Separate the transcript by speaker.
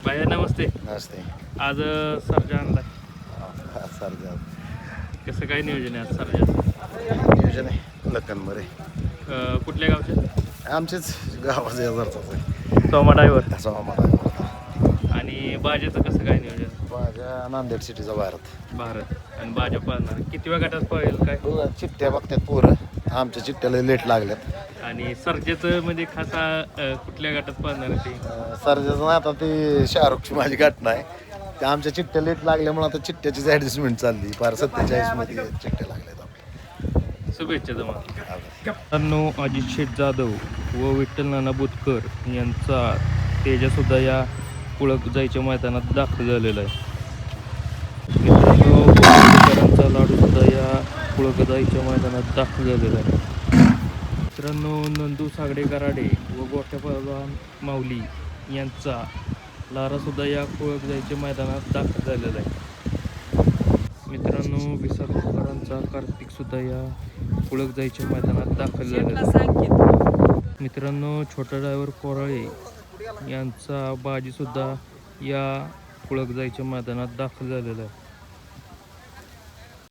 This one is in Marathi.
Speaker 1: भैया नमस्ते.
Speaker 2: नमस्ते.
Speaker 1: आज सर्जा आणलाय.
Speaker 2: सर्जा
Speaker 1: कसं काय नियोजन आहे आज सर्जाचं?
Speaker 2: नियोजन आहे लखनमध्ये.
Speaker 1: कुठल्या गावचे?
Speaker 2: आमचेच गावाचे हजारचाच आहे.
Speaker 1: सोमा ड्रायव्हर.
Speaker 2: असं आम्हाला
Speaker 1: आणि बाजेचं कसं काय नियोजन?
Speaker 2: माझ्या नांदेड सिटीचा
Speaker 1: भारत आणि बाजा पाळणार किती वेळ गटात पळेल काय?
Speaker 2: चिठ्ठ्या बघतात पोरं. आमच्या चिठ्ठ्याला लेट लागल्यात.
Speaker 1: आणि सर्जेचं म्हणजे खासा कुठल्या गटात पळणार आहे ते?
Speaker 2: सर्जाचं ना आता ते शाहरुखची माझी घटना आहे. ते आमच्या चिठ्ठ्या लेट लागल्यामुळे आता चिठ्ठ्याचीच ॲडजस्टमेंट चालली. फार 47 मध्ये चिठ्ठ्या लागल्यात आपल्या.
Speaker 1: शुभेच्छा तुम्हाला. मित्रांनो, अजित शेठ जाधव व विठ्ठल नाना बुतकर यांचा तेजासुद्धा या कुळक जायच्या मैदानात दाखल झालेला आहे. मित्रांनो, बुतकरांचा लाडूसुद्धा या कुळक जायच्या मैदानात दाखल झालेला आहे. मित्रांनो, नंदू सागडे कराडे व गोठ्या पहलवान माऊली यांचा लारासुद्धा या कुळक जायच्या मैदानात दाखल झालेला आहे. मित्रांनो, विसापूरकरांचा कार्तिकसुद्धा या कुळक जायच्या मैदानात दाखल झालेला आहे. मित्रांनो, छोटा ड्रायव्हर कोराळे यांचा बाजीसुद्धा या कुळक जायच्या मैदानात दाखल झालेला आहे.